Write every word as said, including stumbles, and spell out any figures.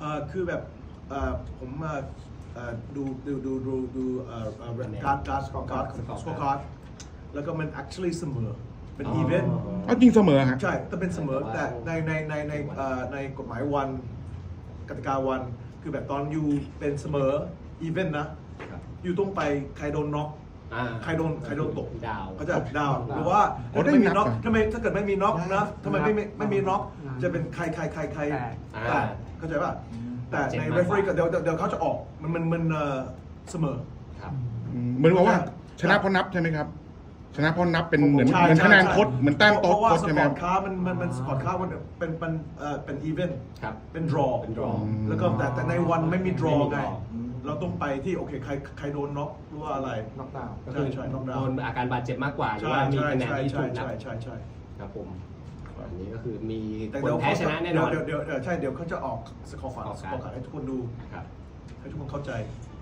อ่อคือแบบเอ่อผมมาเอ่อดูดูดูดูดูเอ่อเอ่อการ์ดการ์ดสกอร์การ์ดสกอร์การ์ดแล้วก็มัน actually เสมอเป็นอีเวนต์เอาจริงเสมอฮะใช่แต่เป็นเสมอแต่ในในในในเอ่อในกฎหมายวันกติกาวันคือแบบตอนอยู่เป็นเสมออีเวนต์นะอยู่ต้องไปใครโดนน็อกใครโดนใครโดนตกดาวเขาจะดาวหรือว่าถ้าไม่มีน็อกทำไมถ้าเกิดไม่มีน็อกนะทำไมไม่ไม่มีน็อกจะเป็นใครใครใครใครแต่เข้าใจป่ะแต่ใน referee เดี๋ยวเดี๋ยวเขาจะออกมันมันมันเสมอเหมือนว่าชนะเพราะนับใช่ไหมครับชนะเพราะนับเป็นเหมือนเหมือนคะแนนคดเหมือนแต้มโต๊ะคดใช่ไหมเพราะว่าสปอร์ตค้ามันมันมันสปอร์ตค้ามันเป็นเป็นเอ่อเป็นอีเวนต์เป็น draw เป็น draw แล้วก็แต่แต่ในวันไม่มี draw ไงเราต้องไปที่โอเคใครใครโดนน็อกหรือว่าอะไรน็อกดาวน์ใช่ใช่น็อกดาวน์โดนอาการบาดเจ็บมากกว่าหรือว่ามีคะแนนที่ถูกนับใช่ใช่ใช่ครับผมอันนี้ก็คือมีคนแพ้ชนะแน่นอนเดี๋ยวเดี๋ยวใช่เดี๋ยวเขาจะออกสกอร์ฝาสกอร์ขาดให้ทุกคนดูครับให้ทุกคนเข้าใจ